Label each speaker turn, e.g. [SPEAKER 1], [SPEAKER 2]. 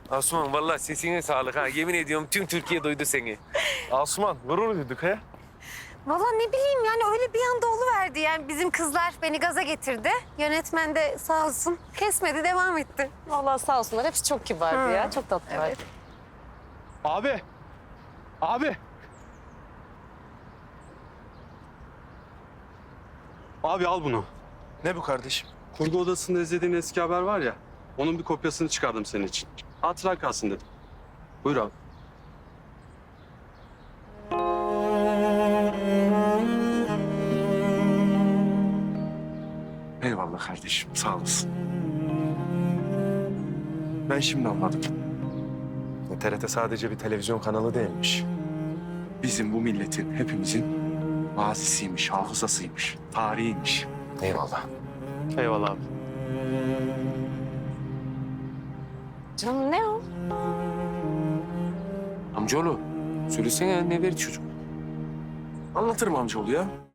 [SPEAKER 1] Asuman vallahi sesine sağlık ha. Yemin ediyorum tüm Türkiye duydu seni.
[SPEAKER 2] Asuman gurur duyduk he.
[SPEAKER 3] Vallahi ne bileyim yani öyle bir anda oluverdi. Yani bizim kızlar beni gaza getirdi. Yönetmen de sağ olsun kesmedi, devam etti.
[SPEAKER 4] Vallahi sağ olsunlar. Hepsi çok kibardı ya. Çok tatlılar.
[SPEAKER 3] Evet.
[SPEAKER 2] Abi. Abi.
[SPEAKER 5] Abi al bunu.
[SPEAKER 2] Ne bu kardeşim?
[SPEAKER 5] Kurgu odasında izlediğin eski haber var ya. Onun bir kopyasını çıkardım senin için. Hatıra kalsın dedim. Buyur abi.
[SPEAKER 2] Eyvallah kardeşim sağ olasın. Ben şimdi anladım. TRT sadece bir televizyon kanalı değilmiş. Bizim bu milletin hepimizin mazisiymiş, hafızasıymış, tarihiymiş. Eyvallah.
[SPEAKER 5] Eyvallah abi.
[SPEAKER 4] Canım ne o?
[SPEAKER 1] Amcaoğlu söylesene ne verdi çocuk?
[SPEAKER 2] Anlatırım amcaoğlu ya.